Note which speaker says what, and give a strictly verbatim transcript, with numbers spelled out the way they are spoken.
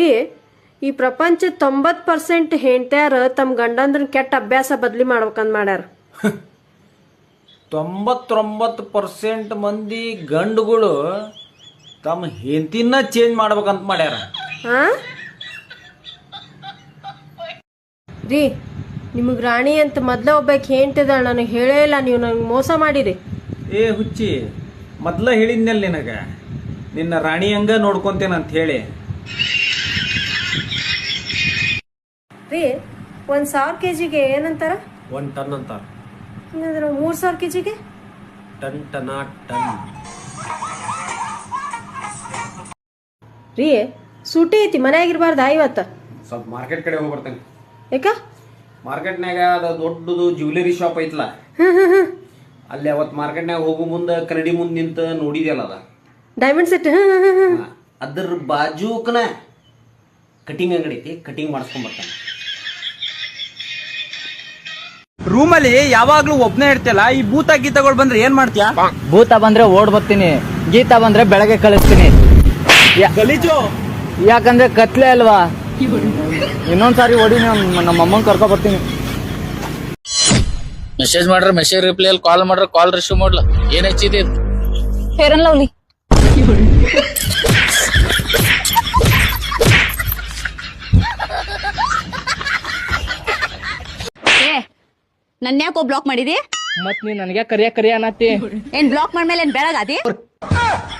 Speaker 1: ರೀ ಈ ಪ್ರಪಂಚ ತೊಂಬತ್ತು ಪರ್ಸೆಂಟ್ ಹೆಂಡ್ತ್ಯಾರ ತಮ್ಮ ಗಂಡಂದ್ರನ್ ಕೆಟ್ಟ ಅಭ್ಯಾಸ ಬದ್ಲಿ ಮಾಡ್ಬೇಕಂದ್ ಮಾಡ್ಯಾರ.
Speaker 2: ತೊಂಬತ್ತೊಂಬತ್ತು ಪರ್ಸೆಂಟ್ ಮಂದಿ ಗಂಡುಗಳು ತಮ್ಮ ಹೆಂಡತಿನ ಚೇಂಜ್ ಮಾಡ್ಬೇಕಂತ ಮಾಡ್ಯಾರ.
Speaker 1: ಹಾ ರೀ ನಿಮಗೆ ರಾಣಿ ಅಂತ ಮೊದ್ಲ ಒಬ್ಬಾಕಿ ಹೆಂಡ್ತಿದಾಳ, ನನಗೆ ಹೇಳೇ ಇಲ್ಲ, ನೀವು ನನಗೆ ಮೋಸ ಮಾಡಿರಿ.
Speaker 2: ಏ ಹುಚ್ಚಿ, ಮೊದ್ಲ ಹೇಳಿದ್ನಲ್ಲ ನಿನಗ ನಿನ್ನ ರಾಣಿ ಹಂಗ ನೋಡ್ಕೊಂತೇನಂತ ಹೇಳಿ.
Speaker 1: ರೀ ಒಂದು ಸಾವಿರ ಕೆ ಜಿಗೆ ಏನಂತಾರ?
Speaker 2: ಒನ್ ಟನ್ ಅಂತಾರ.
Speaker 1: ಹಂಗಂದ್ರೆ ಮೂರು ಸಾವಿರ ಕೆ ಜಿಗೆ
Speaker 2: ಟನ್ ಟನ ಟನ್.
Speaker 1: ರೀ ಸೂಟಿ ಐತಿ, ಮನೆಯಾಗಿರ್ಬಾರ್ದ ಇವತ್ತ?
Speaker 2: ಸ್ವಲ್ಪ ಮಾರ್ಕೆಟ್ ಕಡೆ ಹೋಗಿ ಬರ್ತೇನೆ.
Speaker 1: ಯಾಕ?
Speaker 2: ಮಾರ್ಕೆಟ್ನಾಗ ಅದು ದೊಡ್ಡದು ಜ್ಯುವೆಲರಿ ಶಾಪ್ ಐತ್ಲ, ಅಲ್ಲಿ ಅವತ್ ಮಾರ್ಕೆಟ್ನಾಗ ಹೋಗೋ ಮುಂದೆ ಕನ್ನಡಿ ಮುಂದೆ ನಿಂತ ನೋಡಿದ್ಯಲ್ಲ ಅದ
Speaker 1: ಡೈಮಂಡ್ ಸೆಟ್,
Speaker 2: ಅದ್ರ ಬಾಜೂಕನ ಕಟಿಂಗ್ ಅಂಗಡಿ ಐತಿ, ಕಟಿಂಗ್ ಮಾಡಿಸ್ಕೊಂಡ್ ಬರ್ತಾನೆ. ರೂಮಲ್ಲಿ ಯಾವಾಗ್ಲೂ ಒಬ್ನೇ ಇರ್ತಿಯಲ್ಲ, ಈ ಭೂತ ಗೀತಗಳು ಬಂದ್ರೆ ಏನ್ ಮಾಡ್ತೀಯಾ?
Speaker 3: ಭೂತ ಬಂದ್ರೆ ಓಡ್ ಬರ್ತೀನಿ, ಗೀತ ಬಂದ್ರೆ ಬೆಳಗ್ಗೆ ಕಳಿಸ್ತೀನಿ.
Speaker 2: ಗಲೀಜು
Speaker 3: ಯಾಕಂದ್ರೆ ಕತ್ಲೆ ಅಲ್ವಾ. ಇನ್ನೊಂದ್ಸಾರಿ ಓಡಿ ನಮ್ಮ ಅಮ್ಮನ್ ಕರ್ಕೊ ಬರ್ತೀನಿ.
Speaker 4: ಮೆಸೇಜ್ ಮಾಡ್ರ ಮೆಸೇಜ್ ರಿಪ್ಲೈ ಅಲ್ಲಿ, ಕಾಲ್ ಮಾಡ್ರ ಕಾಲ್ ರಿಸೀವ್ ಮಾಡ್ಲ. ಏನ್ ಹಚ್ಚಿದೆ?
Speaker 5: Fair and Lovely. ನನ್ನ ಯಾಕೋ ಬ್ಲಾಕ್ ಮಾಡಿದಿ?
Speaker 3: ಮತ್ ನೀ ನನ್ಗೆ ಕರಿಯ ಕರಿಯ ಅನ್ನತ್ತಿ.
Speaker 5: ಏನ್ ಬ್ಲಾಕ್ ಮಾಡ್ಮೇಲೆ ಏನ್ ಬೆಳಗಾದಿ?